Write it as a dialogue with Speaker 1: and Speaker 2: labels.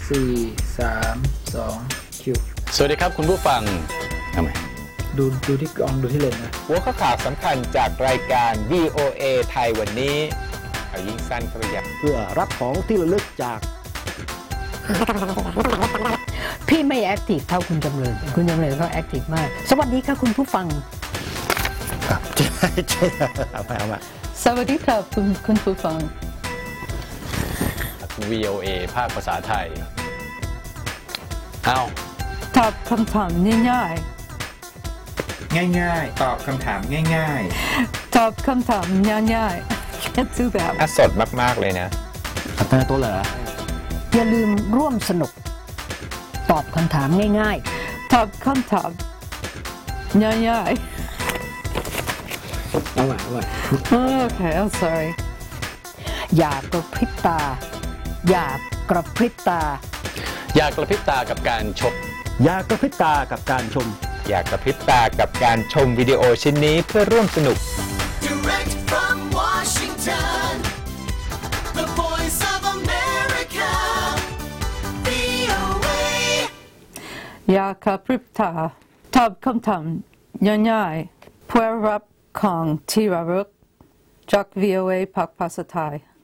Speaker 1: 4 3 2คิว
Speaker 2: สวัสดีครับคุณผู้ฟังทำไม
Speaker 1: ดูที่กล้องดูที่เลนนะ
Speaker 2: หัวข้อข่าวสำคัญจากรายการ VOA ไทยวันนี้เอายิ่งสั้นเข้าไปใหญ่
Speaker 3: เพื่อรับของที่ระลึกจาก
Speaker 4: พี่ไม่แอคทีฟเท่าคุณจำเริญเขาแอคทีฟมากสวัสดีค่ะคุณผู้ฟัง
Speaker 3: เอามา
Speaker 4: สวัสดีครับคุณผู้ฟัง
Speaker 2: VOA ภาคภาษาไทยเอา
Speaker 4: ตอบคำถามง่าย
Speaker 1: ๆตอบคำถามง่าย
Speaker 4: ๆตอบคำถามง่ายๆแค่ซื้อแบบ
Speaker 2: สดมากๆเลยนะ
Speaker 3: อัตราตัวเหรอ
Speaker 4: อย่าลืมร่วมสนุกตอบคำถามง่ายๆตอบคำถามง่าย
Speaker 1: ๆเอาใหม่
Speaker 4: โอเค I'm sorry อย่ากระพริบตาอย่ากระพริบตา
Speaker 2: อย่ากระพริบตากับการชม
Speaker 3: อย่ากระพริบตากับการชม
Speaker 2: อย่ากระพริบตากับการชมวิดีโอชิ้นนี้เพื่อร่วมสนุก
Speaker 5: Direct from Washington, the voice of America, VOA
Speaker 4: อย่ากระพริบตาตอบคำถามง่ายๆเพื่อรับของที่ระลึกจาก VOA ภาคภาษาไทย